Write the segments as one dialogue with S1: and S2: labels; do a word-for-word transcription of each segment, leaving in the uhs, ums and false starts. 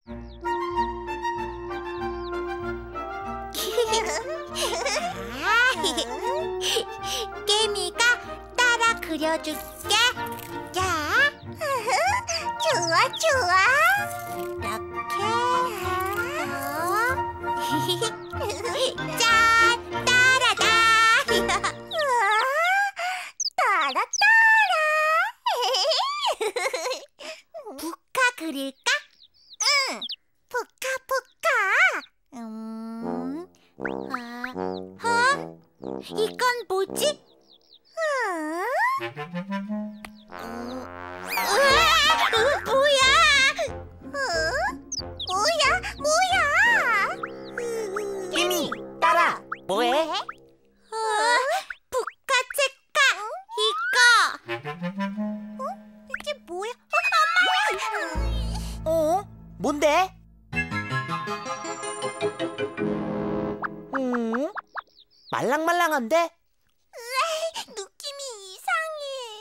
S1: 깨미가 따라 그려줄게. 자, 좋아 좋아. 이렇게. 짠, 따라다. 따라 따라. 부카 그릴까? 응, 부카 부카. 음, 아, 어? 이건 뭐지? 어? 으아, 으, 뭐야? 어? 뭐야? 뭐야?
S2: 깨미, 따라. 뭐해?
S1: 어? 부카 체카 이거. 어? 이게 뭐야? 어, 엄마!
S2: 어? 뭔데? 음? 말랑말랑한데?
S1: 느낌이 이상해.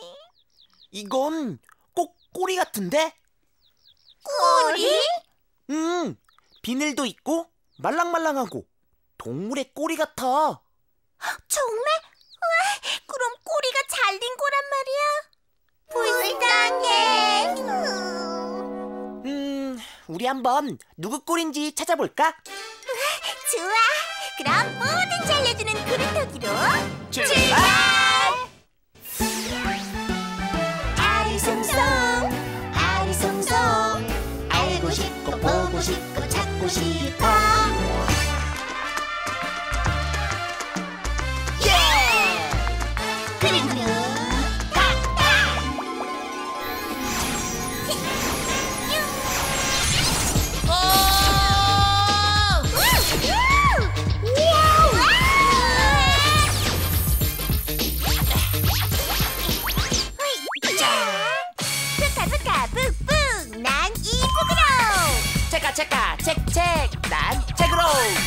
S2: 이건 꼭 꼬리 같은데?
S1: 꼬리?
S2: 음, 비늘도 있고 말랑말랑하고 동물의 꼬리 같아.
S1: 정말? 우와, 그럼 꼬리가 잘린 거란 말이야? 불쌍해.
S2: 음, 우리 한번 누구 꼬리인지 찾아볼까?
S1: 좋아. 그럼 뭐든 잘려주는 그릇터기로
S2: 출발!
S1: 아리송송 아리송송 알고 싶고 보고 싶고 찾고 싶어. 예! 그림 그림 탁탁. 부카 부카 푹푹 난 이북으로.
S2: 체카 체카 책책 난 책으로.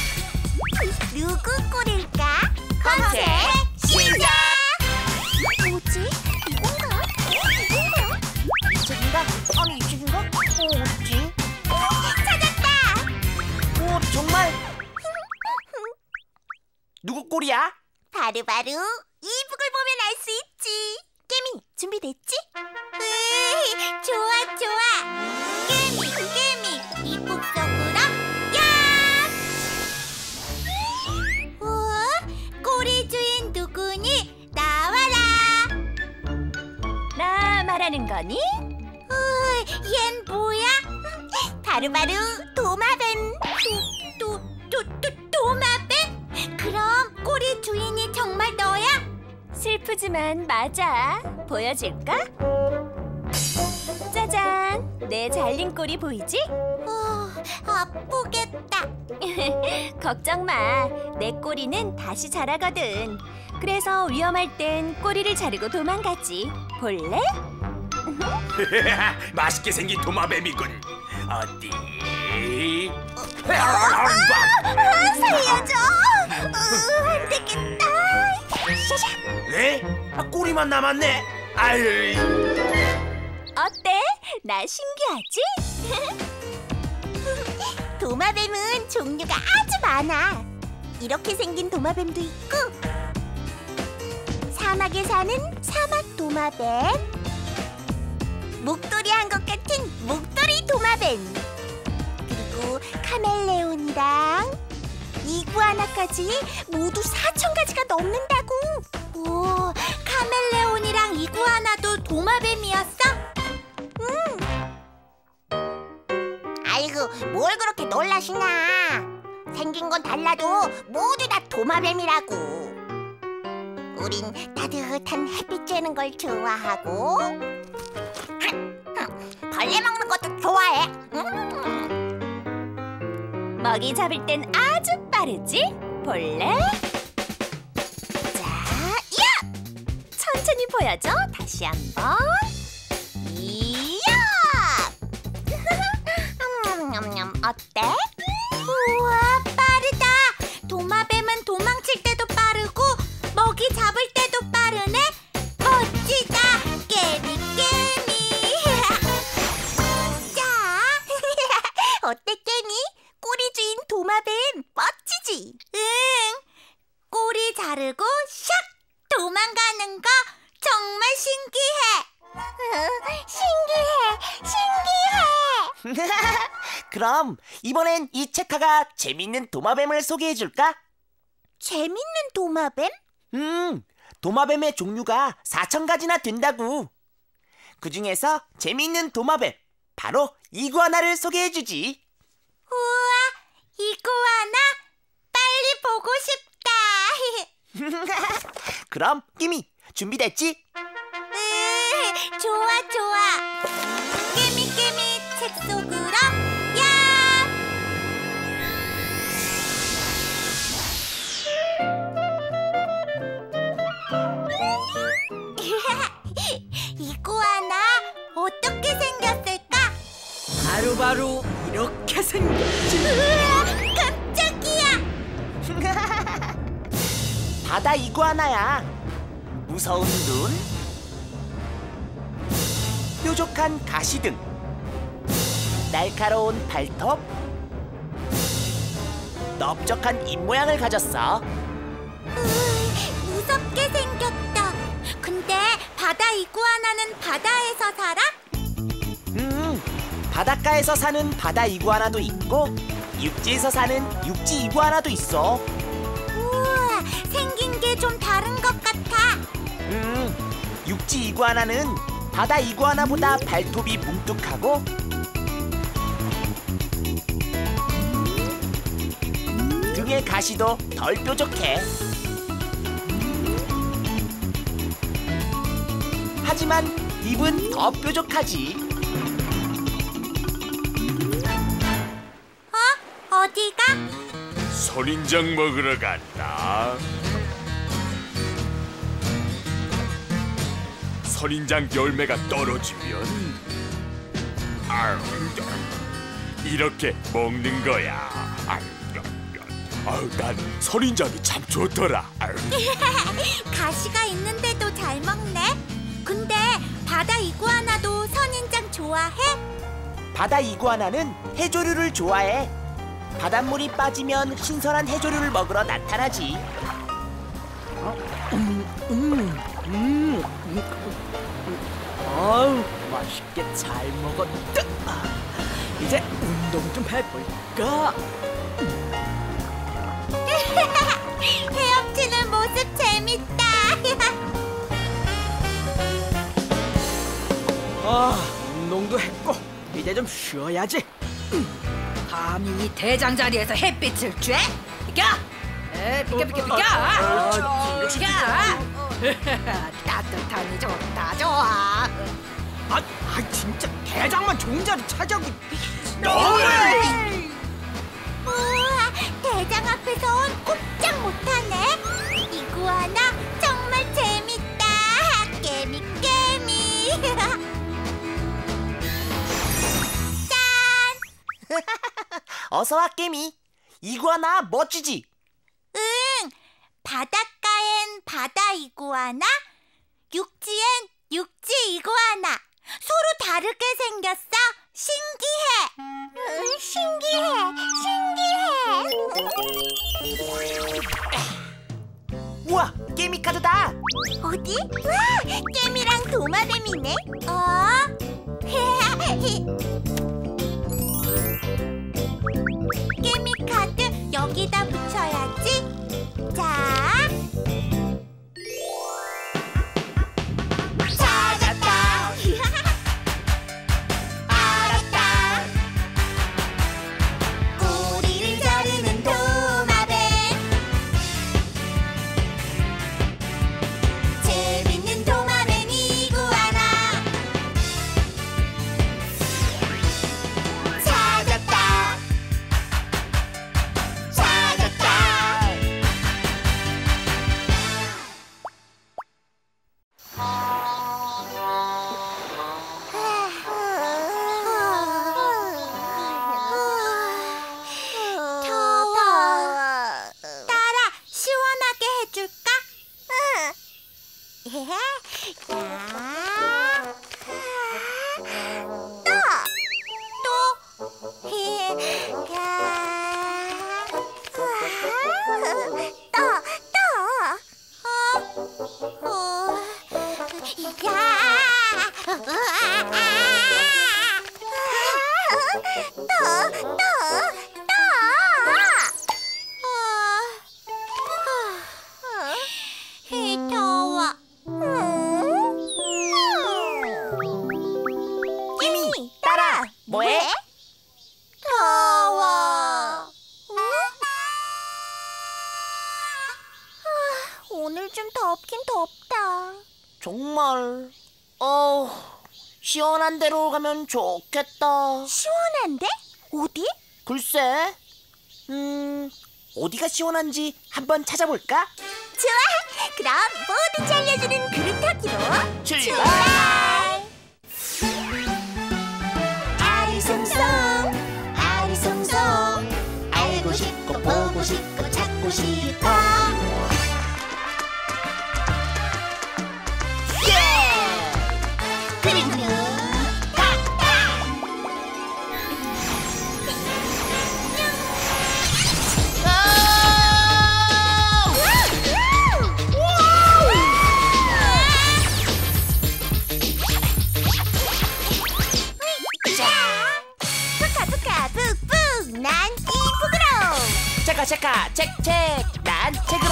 S1: 누구 꼴일까?
S2: 검색 시작!
S1: 뭐지? 이건가? 이건가?
S2: 이 책인가? 아니 이 책인가? 어, 어딨지?
S1: 찾았다!
S2: 오, 정말? 누구 꼬리야?
S1: 바로바로 이북을 보면 알 수 있지. 깨미, 준비됐지? 으이, 좋아, 좋아. 깨미, 깨미, 이북 속으로 야! 우와, 꼬리 주인 누구니? 나와라.
S3: 나 말하는 거니?
S1: 으이, 얜 뭐야? 바로바로 도마뱀. 도, 도, 도, 도, 도마뱀? 그럼 꼬리 주인이 정말 너야?
S3: 슬프지만 맞아. 보여줄까? 짜잔! 내 잘린 꼬리 보이지?
S1: 어, 아프겠다.
S3: 걱정 마. 내 꼬리는 다시 자라거든. 그래서 위험할 땐 꼬리를 자르고 도망가지. 볼래?
S4: 맛있게 생긴 도마뱀이군. 어디?
S1: 아, 살려줘. 으, 안 되겠다. 샤샤.
S4: 네? 아, 꼬리만 남았네. 아유.
S3: 어때? 나 신기하지?
S1: 도마뱀은 종류가 아주 많아. 이렇게 생긴 도마뱀도 있고, 사막에 사는 사막 도마뱀, 목도리 한 것 같은 목도리 도마뱀, 그리고 카멜레온이랑 이구아나까지 모두 사천 가지가 넘는다고. 오, 카멜레온이랑 이구아나도 도마뱀이었어? 응. 아이고, 뭘 그렇게 놀라시나. 생긴 건 달라도 모두 다 도마뱀이라고. 우린 따뜻한 햇빛 쬐는 걸 좋아하고, 벌레 먹는 것도 좋아해. 음.
S3: 먹이 잡을 땐 아주 빠르지? 볼래? 자, 야! 천천히 보여줘. 다시 한번.
S1: 이야! 냠냠냠, 어때? 우와, 빠르다. 도마뱀은 도망칠 때도 빠르고 먹이 잡을 때도 빠르네. 멋지다. 깨미 깨미. 자, 어때
S2: 그럼 이번엔 이 체카가 재밌는 도마뱀을 소개해줄까?
S1: 재밌는 도마뱀?
S2: 음, 도마뱀의 종류가 사천 가지나 된다고. 그 중에서 재밌는 도마뱀, 바로 이구아나를 소개해주지.
S1: 우와, 이구아나 빨리 보고 싶다.
S2: 그럼 끼미 준비됐지?
S1: 으, 좋아 좋아. 깨미 깨미 책 속으로 야. 이구아나 어떻게 생겼을까?
S5: 바로바로 이렇게 생겼지.
S1: 으아, 깜짝이야.
S2: 바다 이구아나야. 무서운 눈, 뾰족한 가시 등, 날카로운 발톱, 넓적한 입 모양을 가졌어.
S1: 으이, 무섭게 생겼다. 근데 바다 이구아나는 바다에서 살아?
S2: 음, 바닷가에서 사는 바다 이구아나도 있고 육지에서 사는 육지 이구아나도 있어.
S1: 우와, 생긴 게 좀 다른 것 같아.
S2: 음, 육지 이구아나는 바다 이구아나보다 발톱이 뭉툭하고 등의 가시도 덜 뾰족해. 하지만 입은 더 뾰족하지.
S1: 어? 어디가?
S4: 선인장 먹으러 간다. 선인장 열매가 떨어지면 아유, 이렇게 먹는 거야. 아유, 아유, 난 선인장이 참 좋더라. 아유.
S1: 가시가 있는데도 잘 먹네. 근데 바다 이구아나도 선인장 좋아해?
S2: 바다 이구아나는 해조류를 좋아해. 바닷물이 빠지면 신선한 해조류를 먹으러 나타나지.
S5: 아우, 맛있게 잘 먹었다. 이제 운동 좀 해볼까?
S1: 헤엄치는 모습 재밌다.
S5: 아, 운동도 했고 이제 좀 쉬어야지.
S6: 감히 이 대장 자리에서 햇빛을 쬐? 비켜! 에, 비켜 비켜 비켜! 비켜! 따뜻하니 좋다 좋아.
S5: 아, 아 진짜 대장만 좋은 자리 차지하고.
S1: 우와, 대장 앞에선 꼼짝 못하네. 이구아나 정말 재밌다. 깨미 깨미. 짠.
S2: 어서와 깨미. 이구아나 멋지지?
S1: 응. 바닷가엔 바다 이구아나, 육지엔 육지 이구아나. 서로 다르게 생겼어. 신기해. 응, 신기해. 신기해.
S2: 우와, 깨미 카드다.
S1: 어디? 와, 깨미랑 도마뱀이네. 어? 깨미 카드 여기다 붙여야지. 자. 찾았다. 알았다. 꼬리를 자르는 도마뱀. 재밌는 도마뱀 이구아나. 더, 더, 더. 이 더워.
S2: 끼미, 따라. 뭐해?
S1: 더워. 오늘 좀 덥긴 덥다.
S2: 정말. 어, 시원한 데로 가면 좋겠다.
S1: 시원한데? 어디?
S2: 글쎄. 음, 어디가 시원한지 한번 찾아볼까?
S1: 좋아. 그럼 모두 잘려주는 그릇 타기로
S2: 출발!
S1: 아리송송 아리송송 알고 싶고 보고 싶고 찾고 싶어. 예! 그릇 그릇 난 이쁘그로.
S2: 체카 체카 책책 난 책으로.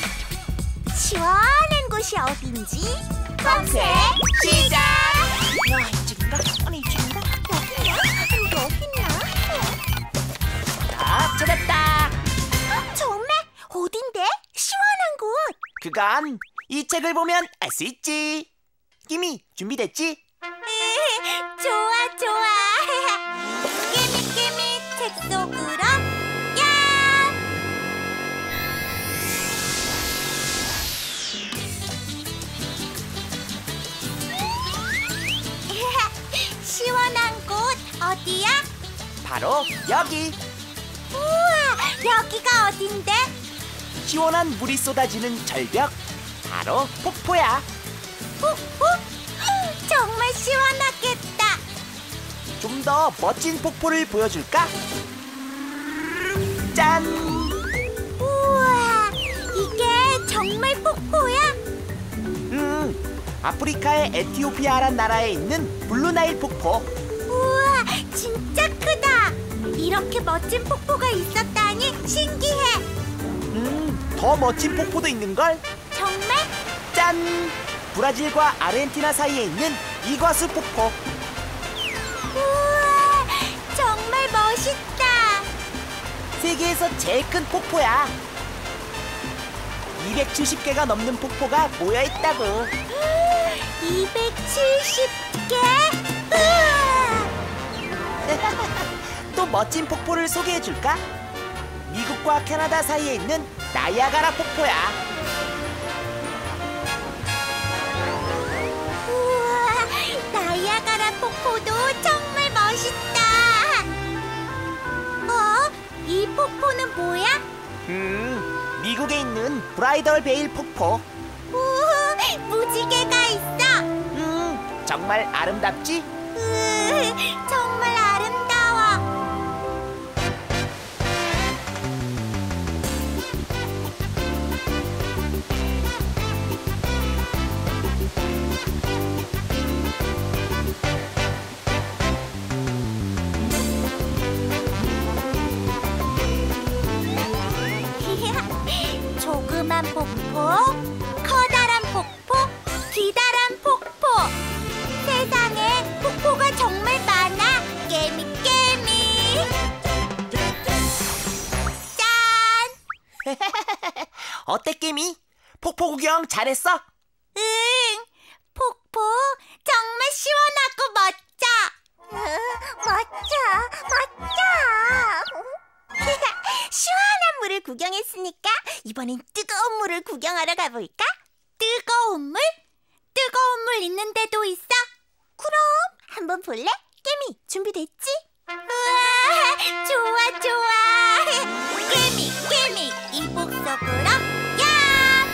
S1: 시원한 곳이 어딘지 검색 시작.
S2: 와, 이쪽인가? 아니, 이쪽인가?
S1: 여기냐? 여기냐?
S2: 아, 찾았다.
S1: 어, 정말? 어딘데? 시원한 곳.
S2: 그건 이 책을 보면 알 수 있지. 끼미, 준비됐지?
S1: 좋아 좋아. 깨미 깨미 책 속으로 야. 시원한 곳 어디야?
S2: 바로 여기.
S1: 우와, 여기가 어딘데?
S2: 시원한 물이 쏟아지는 절벽. 바로 폭포야.
S1: 폭포? 정말 시원하겠다.
S2: 좀 더 멋진 폭포를 보여줄까? 짠!
S1: 우와, 이게 정말 폭포야?
S2: 음, 아프리카의 에티오피아란 나라에 있는 블루나일 폭포.
S1: 우와, 진짜 크다. 이렇게 멋진 폭포가 있었다니 신기해.
S2: 음, 더 멋진 폭포도 있는걸?
S1: 정말?
S2: 짠! 브라질과 아르헨티나 사이에 있는 이과수 폭포.
S1: 우와, 정말 멋있다.
S2: 세계에서 제일 큰 폭포야. 이백칠십 개가 넘는 폭포가 모여있다고.
S1: 이백칠십 개? 우와.
S2: 또 멋진 폭포를 소개해줄까? 미국과 캐나다 사이에 있는 나이아가라 폭포야.
S1: 우와, 나이아가라 폭포도 정말 멋있다. 어? 이 폭포는 뭐야?
S2: 음, 미국에 있는 브라이덜 베일 폭포.
S1: 우와, 무지개가 있어.
S2: 음, 정말 아름답지?
S1: 으, 정말 아름다워. 조그만 폭포, 커다란 폭포, 기다란 폭포. 세상에 폭포가 정말 많아. 깨미 깨미. 짠.
S2: 어때, 깨미? 폭포 구경 잘했어?
S1: 응. 폭포 정말 시원하고 멋져. 멋져, 멋져. 시원한 물을 구경했으니까 이번엔 뜨거운 물을 구경하러 가볼까? 뜨거운 물? 뜨거운 물 있는 데도 있어? 그럼 한번 볼래? 깨미 준비됐지? 우와, 좋아 좋아. 깨미 깨미 이복 속으로 야.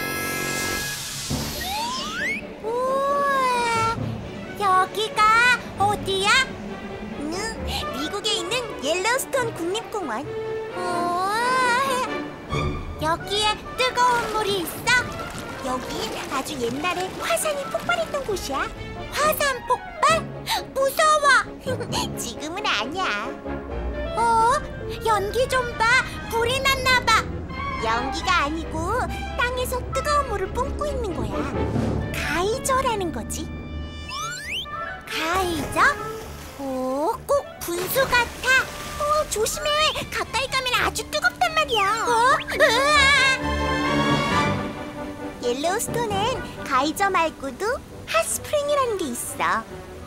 S1: 우와, 여기가 어디야? 응, 미국에 있는 옐로우스톤 국립공원. 우와, 여기에 뜨거운 물이 있어? 여긴 아주 옛날에 화산이 폭발했던 곳이야. 화산 폭발? 무서워. 지금은 아니야. 어? 연기 좀 봐. 불이 났나 봐. 연기가 아니고 땅에서 뜨거운 물을 뿜고 있는 거야. 가이저라는 거지. 가이저? 오, 꼭 분수 같아. 어, 조심해. 가까이 가면 아주 뜨겁단 말이야. 어? 옐로우스톤엔 가이저 말고도 핫스프링이라는 게 있어.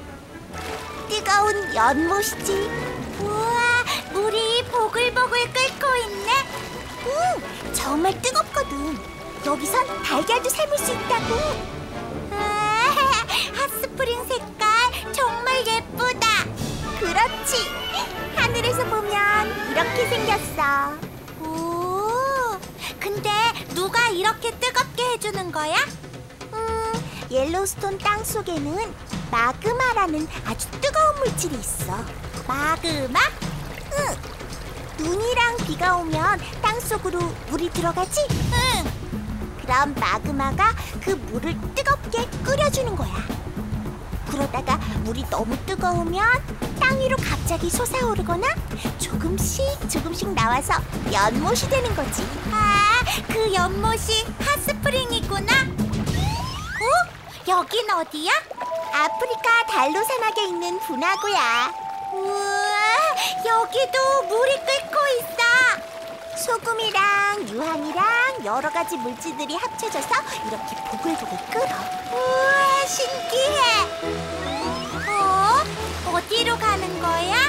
S1: 뜨거운 연못이지. 우와, 물이 보글보글 끓고 있네. 응, 정말 뜨겁거든. 여기선 달걀도 삶을 수 있다고. 아, 핫스프링 색깔 정말 예쁘다. 그렇지. 하늘에서 보면 이렇게 생겼어. 오, 근데 누가 이렇게 뜨겁게 해주는 거야? 음, 옐로우스톤 땅 속에는 마그마라는 아주 뜨거운 물질이 있어. 마그마? 응. 눈이랑 비가 오면 땅 속으로 물이 들어가지? 응. 그럼 마그마가 그 물을 뜨겁게 끓여주는 거야. 그러다가 물이 너무 뜨거우면 땅 위로 갑자기 솟아오르거나 조금씩 조금씩 나와서 연못이 되는 거지. 아, 그 연못이 핫스프링이구나. 어? 여긴 어디야? 아프리카 달로산악에 있는 분화구야. 우와, 여기도 물이 끓고 있어. 소금이랑 유황이랑 여러 가지 물질들이 합쳐져서 이렇게 보글보글 끓어. 우와, 신기해. 어? 어디로 가는 거야?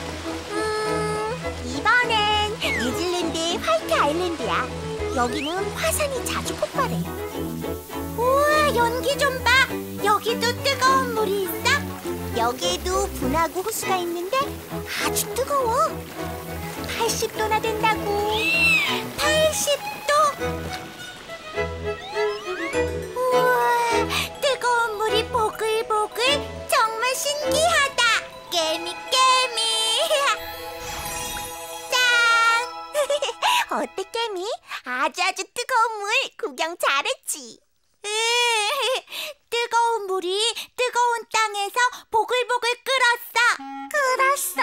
S1: 음, 이번엔 뉴질랜드의 화이트 아일랜드야. 여기는 화산이 자주 폭발해. 우와, 연기 좀 봐. 여기도 뜨거운 물이 있어? 여기에도 분화구 호수가 있는데 아주 뜨거워. 팔십 도나 된다고. 팔십 도? 우와, 뜨거운 물이 보글보글. 정말 신기하다. 깨미 깨미. 짠. 어때 깨미? 아주 아주 뜨거운 물 구경 잘했지? 뜨거운 물이 뜨거운 땅에서 보글보글 끓었어.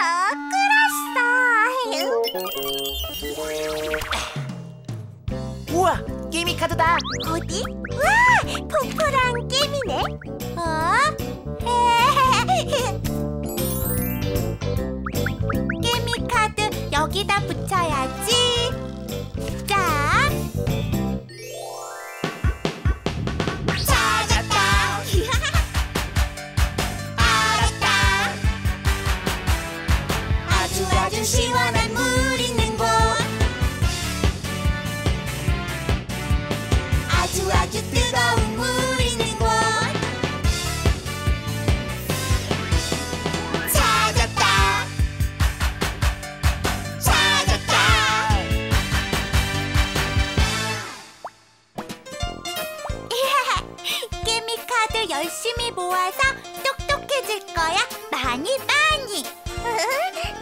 S1: 끓었어, 끓었어.
S2: 우와, 게임이 카드다.
S1: 어디? 와, 포포랑 깨미네. 어? 깨미 카드 여기다 붙여야지. 자. 아주 시원한 물 있는 곳. 아주 아주 뜨거운 물 있는 곳. 찾았다. 찾았다. 깨미 카드 열심히 모아서 똑똑해질 거야. 많이 많이.